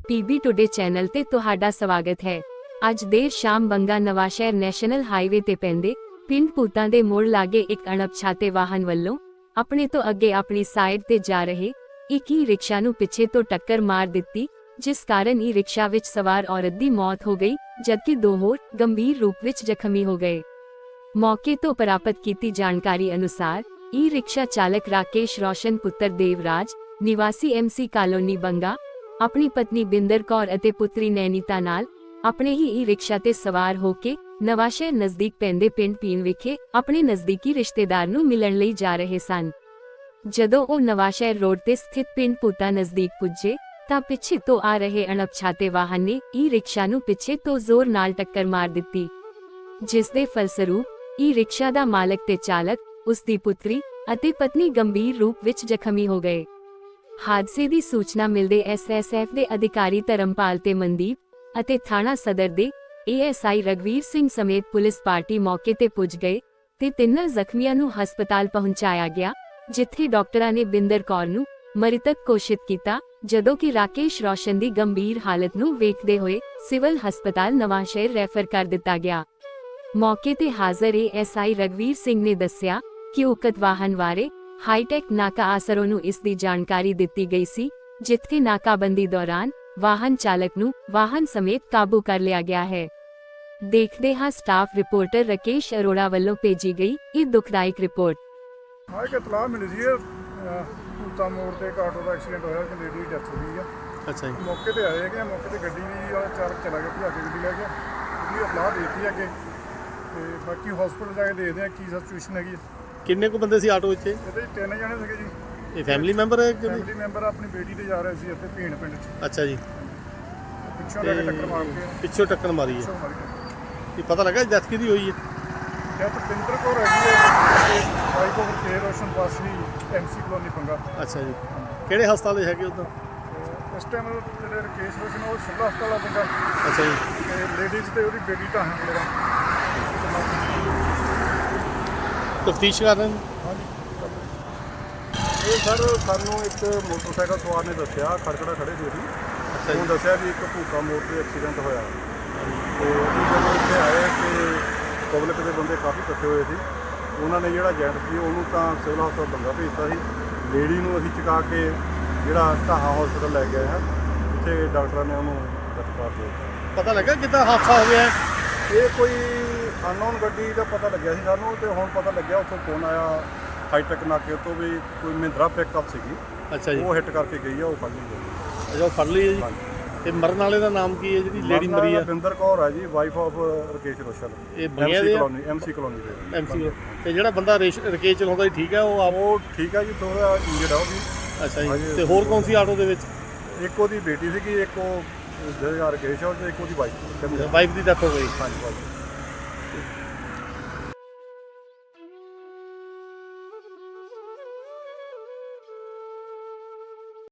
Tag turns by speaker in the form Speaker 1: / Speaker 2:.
Speaker 1: PB today channel ਤੇ ਤੁਹਾਡਾ ਸਵਾਗਤ ਹੈ। ਅੱਜ ਦੇਰ ਸ਼ਾਮ ਬੰਗਾ ਨਵਾਂਸ਼ਹਿਰ ਨੈਸ਼ਨਲ ਹਾਈਵੇ ਤੇ ਪੈਂਦੇ ਪਿੰਡ ਭੂਤਾਂ ਦੇ ਮੋੜ ਲਾਗੇ ਇੱਕ ਅਣਪਛਾਤੇ ਵਾਹਨ ਵੱਲੋਂ ਆਪਣੇ ਤੋਂ ਅੱਗੇ ਆਪਣੀ ਸਾਈਡ ਤੇ ਜਾ ਰਹੇ ਇੱਕ ਹੀ ਰਿਕਸ਼ਾ ਨੂੰ ਪਿੱਛੇ ਤੋਂ ਟੱਕਰ ਮਾਰ ਦਿੱਤੀ, ਜਿਸ ਕਾਰਨ ਇਹ ਰਿਕਸ਼ਾ ਵਿੱਚ ਸਵਾਰ ਔਰਤ ਦੀ ਮੌਤ ਹੋ ਗਈ, ਜਦਕਿ ਦੋ ਹੋਰ ਗੰਭੀਰ ਰੂਪ ਵਿੱਚ ਜ਼ਖਮੀ ਹੋ ਗਏ। ਮੌਕੇ ਤੋਂ ਪ੍ਰਾਪਤ ਕੀਤੀ ਜਾਣਕਾਰੀ ਅਨੁਸਾਰ ਇਹ ਰਿਕਸ਼ਾ ਚਾਲਕ ਰਾਕੇਸ਼ ਰੋਸ਼ਨ ਪੁੱਤਰ ਦੇਵਰਾਜ ਨਿਵਾਸੀ MC ਕਾਲੋਨੀ ਬੰਗਾ ਆਪਣੀ ਪਤਨੀ ਬਿੰਦਰ ਕੌਰ ਅਤੇ ਪੁੱਤਰੀ ਨੈਨੀਤਾ ਨਾਲ ਆਪਣੇ ਹੀ ਈ ਰਿਕਸ਼ਾ ਤੇ ਸਵਾਰ ਹੋ ਕੇ ਨਵਾਂਸ਼ਹਿਰ ਨਜ਼ਦੀਕ ਪੈਂਦੇ ਪਿੰਡ ਪੀਣ ਵਿਖੇ ਆਪਣੇ ਨਜ਼ਦੀਕੀ ਰਿਸ਼ਤੇਦਾਰ ਨੂੰ ਮਿਲਣ ਲਈ ਜਾ ਰਹੇ ਸਨ। ਜਦੋਂ ਉਹ ਨਵਾਂਸ਼ਹਿਰ ਰੋਡ ਤੇ ਸਥਿਤ ਪਿੰਡ ਭੂਤਾਂ ਨਜ਼ਦੀਕ ਪੁੱਜੇ ਤਾਂ ਪਿੱਛੇ ਤੋਂ ਆ ਰਹੇ ਅਣਪਛਾਤੇ ਵਾਹਨ ਨੇ ਈ ਰਿਕਸ਼ਾ ਨੂੰ ਪਿੱਛੇ ਤੋਂ ਜ਼ੋਰ ਨਾਲ ਟੱਕਰ ਮਾਰ ਦਿੱਤੀ, ਜਿਸ ਦੇ ਫਲਸਰੂਪ ਈ ਰਿਕਸ਼ਾ ਦਾ ਮਾਲਕ ਤੇ ਚਾਲਕ, ਉਸ ਦੀ ਪੁੱਤਰੀ ਅਤੇ ਪਤਨੀ ਗੰਭੀਰ ਰੂਪ ਵਿੱਚ ਜ਼ਖਮੀ ਹੋ ਗਏ। ਹਾਦਸੇ ਦੀ ਸੂਚਨਾ ਮਿਲਦੇ SSF ਦੇ ਅਧਿਕਾਰੀ ਧਰਮਪਾਲ ਤੇ ਮਨਦੀਪ ਅਤੇ ਥਾਣਾ ਸਦਰ ਦੇ ASI ਰਗਵੀਰ ਸਿੰਘ ਸਮੇਤ ਪੁਲਿਸ ਪਾਰਟੀ ਮੌਕੇ ਤੇ ਪੁੱਜ ਗਏ ਤੇ ਤਿੰਨਾਂ ਜ਼ਖਮੀਆਂ ਨੂੰ ਹਸਪਤਾਲ ਪਹੁੰਚਾਇਆ ਗਿਆ, ਜਿੱਥੇ ਡਾਕਟਰਾਂ ਨੇ ਬਿੰਦਰ ਕੌਰ ਨੂੰ ਮ੍ਰਿਤਕ ਘੋਸ਼ਿਤ ਕੀਤਾ, ਜਦੋਂ ਕਿ ਰਾਕੇਸ਼ ਰੋਸ਼ਨ ਦੀ ਗੰਭੀਰ ਹਾਲਤ ਨੂੰ ਵੇਖਦੇ ਹੋਏ ਸਿਵਲ ਹਸਪਤਾਲ ਨਵਾਂਸ਼ਹਿਰ ਰੈਫਰ ਕਰ ਦਿੱਤਾ ਗਿਆ। ਮੌਕੇ ਤੇ ਹਾਜ਼ਰ ASI ਰਗਵੀਰ ਸਿੰਘ ਨੇ ਦੱਸਿਆ ਕਿ ਉਕਤ ਵਾਹਨ ਬਾਰੇ ਹਾਈਟੈਕ ਨਾਕਾ ਆਸਰੋਂ ਨੂੰ ਇਸ ਦੀ ਜਾਣਕਾਰੀ ਦਿੱਤੀ ਗਈ ਸੀ, ਜਿੱਥੇ ਨਾਕਾਬੰਦੀ ਦੌਰਾਨ ਵਾਹਨ ਚਾਲਕ ਨੂੰ ਵਾਹਨ ਸਮੇਤ ਕਾਬੂ ਕਰ ਲਿਆ ਗਿਆ ਹੈ। ਦੇਖਦੇ ਹਾਂ ਸਟਾਫ ਰਿਪੋਰਟਰ ਰਾਕੇਸ਼ ਅਰੋੜਾ ਵੱਲੋਂ ਭੇਜੀ ਗਈ ਇਹ ਦੁਖਦਾਇਕ ਰਿਪੋਰਟ।
Speaker 2: ਹਾਂ, ਇੱਕ ਇਤਲਾਹ ਮਿਲੀ ਸੀ ਭੂਤਾਂ ਮੋੜ ਤੇ ਇੱਕ ਆਟੋ ਦਾ ਐਕਸੀਡੈਂਟ ਹੋਇਆ, ਇੱਕ ਲੇਡੀ ਦੀ ਡੈਥ ਹੋ ਗਈ ਆ।
Speaker 3: ਅੱਛਾ ਜੀ।
Speaker 2: ਮੌਕੇ ਤੇ ਆਏ ਹੈਗੇ, ਮੌਕੇ ਤੇ ਗੱਡੀ ਵੀ ਵਾਲਾ ਚਾਲਕ ਚਲਾ ਗਿਆ, ਭਜਾ ਕੇ ਗੱਡੀ ਲੈ ਗਿਆ। ਉਹਦੀ ਇਤਲਾਹ ਦੇ ਦਿੱਤੀ ਅੱਗੇ ਤੇ ਬਾਕੀ ਹਸਪੀਟਲ ਜਾ ਕੇ ਦੇਖਦੇ ਆ ਕੀ ਸਿਚੁਏਸ਼ਨ ਹੈਗੀ।
Speaker 3: ਕਿੰਨੇ ਕੁ ਬੰਦੇ ਸੀ ਆਟੋ ਵਿੱਚ?
Speaker 2: ਇਹਦੇ 'ਚ 3 ਜਣੇ ਸੀਗੇ ਜੀ।
Speaker 3: ਇਹ ਫੈਮਿਲੀ ਮੈਂਬਰ ਹੈ ਕਿ?
Speaker 2: ਫੈਮਿਲੀ ਮੈਂਬਰ ਆਪਣੀ ਬੇਟੀ ਤੇ ਜਾ ਰਹੇ ਸੀ ਇੱਥੇ ਭੀਣ ਪਿੰਡ 'ਚ।
Speaker 3: ਅੱਛਾ ਜੀ।
Speaker 2: ਪਿੱਛੋਂ ਲੈ ਕੇ ਟੱਕਰ ਮਾਰ ਕੇ
Speaker 3: ਪਿੱਛੋਂ ਟੱਕਰ ਮਾਰੀ ਹੈ।
Speaker 2: ਪਿੱਛੋਂ ਮਾਰੀ ਟੱਕਰ।
Speaker 3: ਇਹ ਪਤਾ ਲੱਗਾ ਡੈਥ ਕਿਹਦੀ ਹੋਈ ਹੈ?
Speaker 2: ਡੈਥ ਬਿੰਦਰ ਕੌਰ ਹੈਗੀ ਹੈ, ਵਾਈਫ ਆਫ ਕੇ ਰੋਸ਼ਨ ਵਾਸੀ MC ਕਲੋਨੀ ਪੰਗਾ।
Speaker 3: ਅੱਛਾ ਜੀ। ਕਿਹੜੇ ਹਸਪਤਾਲ ਦੇ ਹੈਗੇ ਉਦੋਂ?
Speaker 2: ਇਸ ਟਾਈਮ ਜਿਹੜੇ ਰਕੇਸ਼ ਰੋਸ਼ਨ ਉਹ ਸਿਵਲ ਹਸਪਤਾਲ ਆ ਪੰਗਾ।
Speaker 3: ਅੱਛਾ ਜੀ।
Speaker 2: ਤੇ ਲੇਡੀਜ਼ ਤੇ ਉਹਦੀ ਬੇਟੀ ਤਾਂ ਹੈ ਮੇਰਾ।
Speaker 3: ਤਫਤੀਸ਼ ਕਰ ਰਹੇ ਨੇ?
Speaker 2: ਹਾਂਜੀ। ਇਹ ਸਰ ਸਾਨੂੰ ਇੱਕ ਮੋਟਰਸਾਈਕਲ ਸਵਾਰ ਨੇ ਦੱਸਿਆ, ਖੜਕੜਾ ਖੜੇ ਸੀ ਅਸੀਂ।
Speaker 3: ਅੱਛਾ ਜੀ।
Speaker 2: ਉਹ ਦੱਸਿਆ ਵੀ ਇੱਕ ਭੂਤਾਂ ਮੋੜ ਤੇ ਐਕਸੀਡੈਂਟ ਹੋਇਆ ਤੇ ਅਸੀਂ ਜਦੋਂ ਇੱਥੇ ਆਏ ਤੇ ਪਬਲਿਕ ਦੇ ਬੰਦੇ ਕਾਫੀ ਇਕੱਠੇ ਹੋਏ ਸੀ। ਉਹਨਾਂ ਨੇ ਜਿਹੜਾ ਏਜੰਟ ਸੀ ਉਹਨੂੰ ਤਾਂ ਸਿਵਲ ਹਸਪਤਾਲ ਬੰਗਾ ਭੇਜਤਾ ਸੀ। ਲੇਡੀ ਨੂੰ ਅਸੀਂ ਚੁਕਾ ਕੇ ਜਿਹੜਾ ਢਾਹਾਂ ਹਸਪਤਾਲ ਲੈ ਕੇ ਆਏ ਹਾਂ, ਜਿੱਥੇ ਡਾਕਟਰਾਂ ਨੇ ਉਹਨੂੰ ਦਸਤਾਰ ਦੇ ਦਿੱਤਾ।
Speaker 3: ਪਤਾ ਲੱਗਾ ਕਿੱਦਾਂ ਹਾਦਸਾ ਹੋ ਗਿਆ?
Speaker 2: ਇਹ ਕੋਈ ਅਨਨੋਨ ਗੱਡੀ ਦਾ ਪਤਾ ਲੱਗਿਆ ਸੀ ਸਾਨੂੰ, ਤੇ ਹੁਣ ਪਤਾ ਲੱਗਿਆ ਉੱਥੋਂ ਫੋਨ ਆਇਆ ਹਾਈਟੈਕ ਨਾਕੇ ਤੋਂ ਵੀ ਕੋਈ ਮਹਿੰਦਰਾ ਪਿਕਅਪ ਸੀਗੀ।
Speaker 3: ਅੱਛਾ ਜੀ।
Speaker 2: ਉਹ ਹਿੱਟ ਕਰਕੇ ਗਈ ਆ, ਉਹ ਫੜ ਲਈ ਗਈ।
Speaker 3: ਅੱਛਾ, ਉਹ ਫੜ ਲਈ ਹੈ ਜੀ।
Speaker 2: ਹਾਂਜੀ।
Speaker 3: ਤੇ ਮਰਨ ਵਾਲੇ ਦਾ ਨਾਮ ਕੀ ਹੈ ਜਿਹੜੀ ਲੇਡੀ ਮਰੀ ਆ?
Speaker 2: ਬਿੰਦਰ ਕੌਰ ਹੈ ਜੀ, ਵਾਈਫ ਆਫ ਰਕੇਸ਼ ਰੋਸ਼ਨ।
Speaker 3: ਇਹ ਬੰਗਿਆ ਦੇ
Speaker 2: MC ਕਲੋਨੀ ਦੇ
Speaker 3: MC। ਤੇ ਜਿਹੜਾ ਬੰਦਾ ਰਕੇਸ਼ ਚਲਾਉਂਦਾ ਸੀ ਠੀਕ ਹੈ?
Speaker 2: ਉਹ ਠੀਕ ਹੈ ਜੀ, ਥੋੜਾ ਇੰਜਰਡ ਆ ਉਹ ਵੀ।
Speaker 3: ਅੱਛਾ ਜੀ। ਤੇ ਹੋਰ ਕੌਣ ਸੀ ਆਟੋ ਦੇ ਵਿੱਚ?
Speaker 2: ਇੱਕ ਉਹਦੀ ਬੇਟੀ ਸੀਗੀ, ਇੱਕ ਉਹ ਜਿਹੜਾ ਰਕੇਸ਼ ਆ, ਤੇ ਇੱਕ ਉਹਦੀ ਵਾਈਫ
Speaker 3: ਵਾਈਫ ਦੀ ਡੈਥ ਹੋ ਗਈ।
Speaker 2: ਹਾਂਜੀ ਵਾਈਫ।